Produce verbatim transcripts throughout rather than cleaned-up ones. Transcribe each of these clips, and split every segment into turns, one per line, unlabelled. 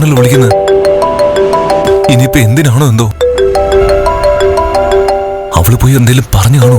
എന്നാണല്ലോ വിളിക്കുന്നത്. ഇനിയിപ്പോ എന്തിനാണോ എന്തോ. അവള് പോയി എന്തെങ്കിലും പറഞ്ഞു കാണോ?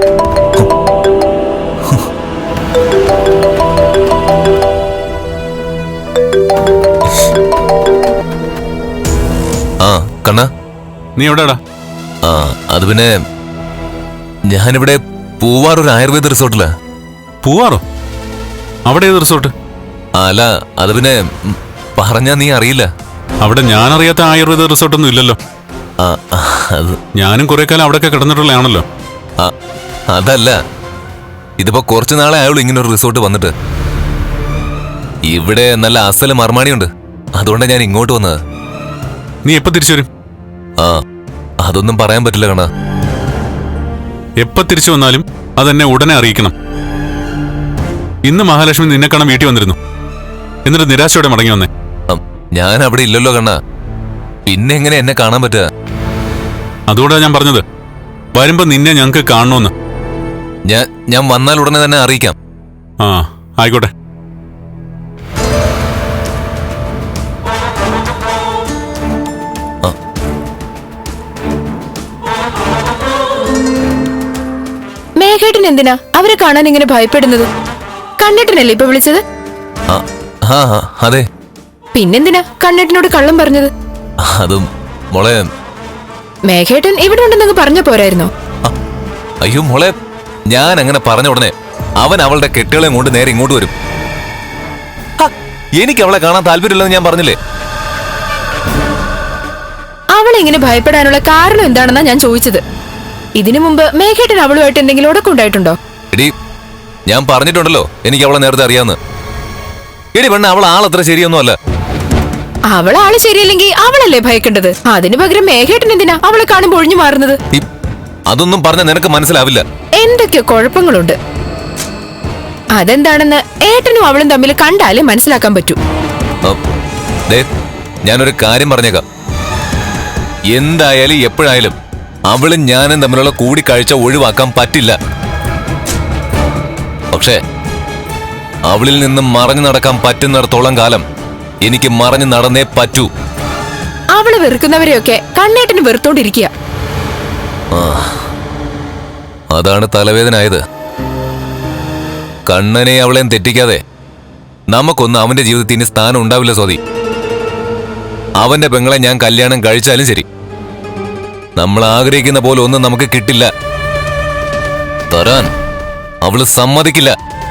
ആ കണ്ണ,
നീ എവിടെടാ?
ആ അത് പിന്നെ ഞാനിവിടെ പൂവാർ ഒരു ആയുർവേദ റിസോർട്ടിലാ.
പൂവാറോ? അവിടെ ഏത് റിസോർട്ട്?
അല്ല അത് പിന്നെ പറഞ്ഞാ നീ അറിയില്ല.
അവിടെ ഞാൻ അറിയാത്ത ആയുർവേദ റിസോർട്ടൊന്നും ഇല്ലല്ലോ.
അത്
ഞാനും കുറെ കാലം അവിടെയൊക്കെ കിടന്നിട്ടുള്ളതാണല്ലോ.
അതല്ല, ഇതിപ്പോ കുറച്ചു നാളെ ആയുള്ളൂ ഇങ്ങനെ ഒരു റിസോർട്ട് വന്നിട്ട്. ഇവിടെ നല്ല അസല് മർമാണിയുണ്ട്, അതുകൊണ്ടാണ് ഞാൻ ഇങ്ങോട്ട് വന്നത്.
നീ എപ്പോ തിരിച്ചു വരും?
ആ അതൊന്നും പറയാൻ പറ്റില്ല കണ്ണാ.
എപ്പോ തിരിച്ചു വന്നാലും അതെന്നെ ഉടനെ അറിയിക്കണം. ഇന്ന് മഹാലക്ഷ്മി നിന്നെ കാണാൻ വീട്ടിൽ വന്നിരുന്നു, എന്നിട്ട് നിരാശയോടെ മടങ്ങി വന്നേ.
ഞാൻ അവിടെ ഇല്ലല്ലോ കണ്ണാ, പിന്നെ എങ്ങനെ എന്നെ കാണാൻ പറ്റുക?
അതുകൊണ്ടാണ് ഞാൻ പറഞ്ഞത് വരുമ്പോ നിന്നെ ഞങ്ങക്ക് കാണണമെന്ന്.
ഞാൻ ഞാൻ വന്നാൽ ഉടനെ തന്നെ അറിയിക്കാം.
ആ ആയിക്കോട്ടെ.
മേഘേട്ടൻ എന്തിനാ അവരെ കാണാൻ ഇങ്ങനെ ഭയപ്പെടുന്നത്? കണ്ണേട്ടനല്ലേ ഇപ്പൊ വിളിച്ചത്?
അതെ.
പിന്നെന്തിനാ കണ്ണേട്ടനോട് കള്ളം പറഞ്ഞത്?
അതും മോളെ,
മേഘേട്ടൻ ഇവിടെ ഉണ്ടെന്നങ്ങ് പറഞ്ഞ പോരായിരുന്നോ?
അയ്യോ മോളെ, ഞാൻ അങ്ങനെ പറഞ്ഞ ഉടനെ അവൻ അവളുടെ കെട്ടുകളെ കൊണ്ട് നേരെ ഇങ്ങോട്ട് വരും. എനിക്ക് അവളെ കാണാൻ താല്പര്യമില്ലെന്ന് ഞാൻ പറഞ്ഞില്ലേ?
അവളെ ഇങ്ങനെ ഭയപ്പെടാനുള്ള കാരണം എന്താണെന്നാ ഞാൻ ചോദിച്ചത്. ഇതിനു മുമ്പ് മേഘേട്ടൻ അവളുമായിട്ട് എന്തെങ്കിലും ഉടക്കുണ്ടായിട്ടുണ്ടോ?
എടി, ഞാൻ പറഞ്ഞിട്ടുണ്ടല്ലോ എനിക്ക് അവളെ നേരത്തെ അറിയാന്ന്. എടി പെണ്ണ, അവൾ ആളത്ര ശരിയൊന്നും അല്ല.
അവളാള് ശരിയല്ലെങ്കിൽ അവളല്ലേ ഭയക്കേണ്ടത്? അതിനു പകരം മേഘേട്ടൻ എന്തിനാ അവളെ കാണുമ്പോൾ ഒഴിഞ്ഞു മാറുന്നത്?
അതൊന്നും പറഞ്ഞ നിനക്ക് മനസ്സിലാവില്ല.
എന്തൊക്കെ കുഴപ്പങ്ങളുണ്ട്. അതെന്താണെന്ന് ഏട്ടനും അവളും തമ്മിൽ കണ്ടാലേ മനസ്സിലാക്കാൻ പറ്റൂ.
ഞാനൊരു കാര്യം പറഞ്ഞേക്കാം. എന്തായാലും എപ്പോഴായാലും അവളും ഞാനും തമ്മിലുള്ള കൂടിക്കാഴ്ച ഒഴിവാക്കാൻ പറ്റില്ല. പക്ഷേ അവളിൽ നിന്നും മറഞ്ഞു നടക്കാൻ പറ്റുന്നിടത്തോളം കാലം എനിക്ക് മറഞ്ഞു നടന്നേ പറ്റൂ.
അവള് വെറുക്കുന്നവരെയൊക്കെ കണ്ണേട്ടന് വെറുത്തോണ്ടിരിക്കുക.
അതാണ് തലവേദനായത്. കണ്ണനെ അവളെയും തെറ്റിക്കാതെ നമുക്കൊന്നും അവന്റെ ജീവിതത്തിൽ ഇനി സ്ഥാനം ഉണ്ടാവില്ല സ്വാതി. അവന്റെ പെങ്ങളെ ഞാൻ കല്യാണം കഴിച്ചാലും ശരി, നമ്മൾ ആഗ്രഹിക്കുന്ന പോലെ ഒന്നും നമുക്ക് കിട്ടില്ല. തരാൻ അവള് സമ്മതിക്കില്ല.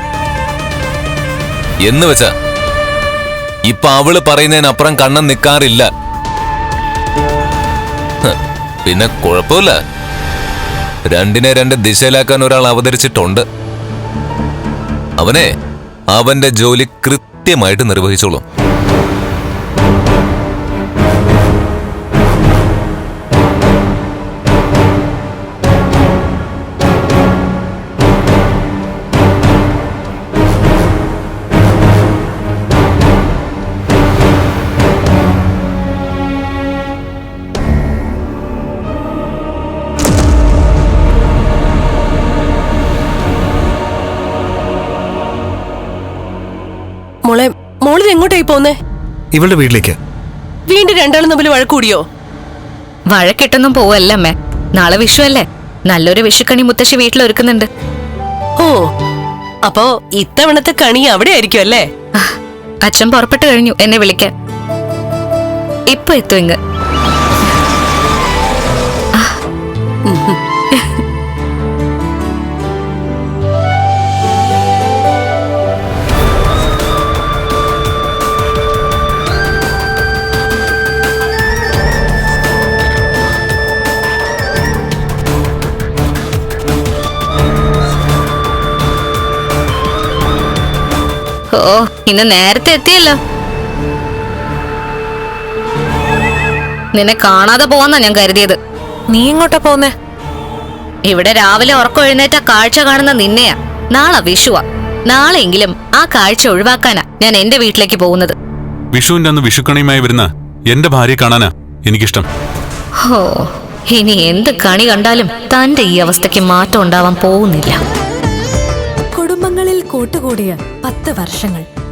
എന്ന് വെച്ചാ ഇപ്പൊ അവള് പറയുന്നതിനപ്പുറം കണ്ണൻ നിൽക്കാറില്ല. പിന്നെ കുഴപ്പമില്ല, രണ്ടിനെ രണ്ട് ദിശയിലാക്കാൻ ഒരാൾ അവതരിച്ചിട്ടുണ്ട്. അവനെ അവന്റെ ജോലി കൃത്യമായിട്ട് നിർവഹിച്ചോളും.
മോളെ, മോളിൽ എങ്ങോട്ടായി പോന്നേ?
ഇവളുടെ വീട്ടിലേക്ക്.
വീണ്ടും രണ്ടാളും തമ്മിൽ വഴക്കൂടിയോ?
വഴക്കിട്ടൊന്നും പോവല്ല അമ്മേ. നാളെ വിഷു അല്ലേ, നല്ലൊരു വിഷുക്കണി മുത്തശ്ശി വീട്ടിൽ ഒരുക്കുന്നുണ്ട്.
ഓ, അപ്പോ ഇത്തവണത്തെ കണി അവിടെ ആയിരിക്കും അല്ലേ?
അച്ഛൻ പുറപ്പെട്ടു കഴിഞ്ഞു എന്നെ വിളിക്കാൻ. ഇപ്പൊ എത്തും ഇങ്ങ്. ഓ, ഇന്ന് നേരത്തെ എത്തിയല്ലോ. നിന്നെ കാണാതെ പോവാന്നാ ഞാൻ കരുതിയത്.
നീ ഇങ്ങോട്ടാ പോന്നേ?
ഇവിടെ രാവിലെ ഉറക്കം എഴുന്നേറ്റ കാഴ്ച കാണുന്ന നിന്നെയാ. നാളെ വിഷുവാ. നാളെയെങ്കിലും ആ കാഴ്ച ഒഴിവാക്കാനാ ഞാൻ എന്റെ വീട്ടിലേക്ക് പോകുന്നത്.
വിഷുവിന്റെ അന്ന് വിഷുക്കണിയുമായി വരുന്ന എന്റെ ഭാര്യയെ കാണാനാ എനിക്കിഷ്ടം.
ഹോ, ഇനി എന്ത് കണി കണ്ടാലും തന്റെ ഈ അവസ്ഥയ്ക്ക് മാറ്റം ഉണ്ടാവാൻ പോകുന്നില്ല.
കുടുംബങ്ങളിൽ കൂട്ടുകൂടിയ പത്ത് വർഷങ്ങൾ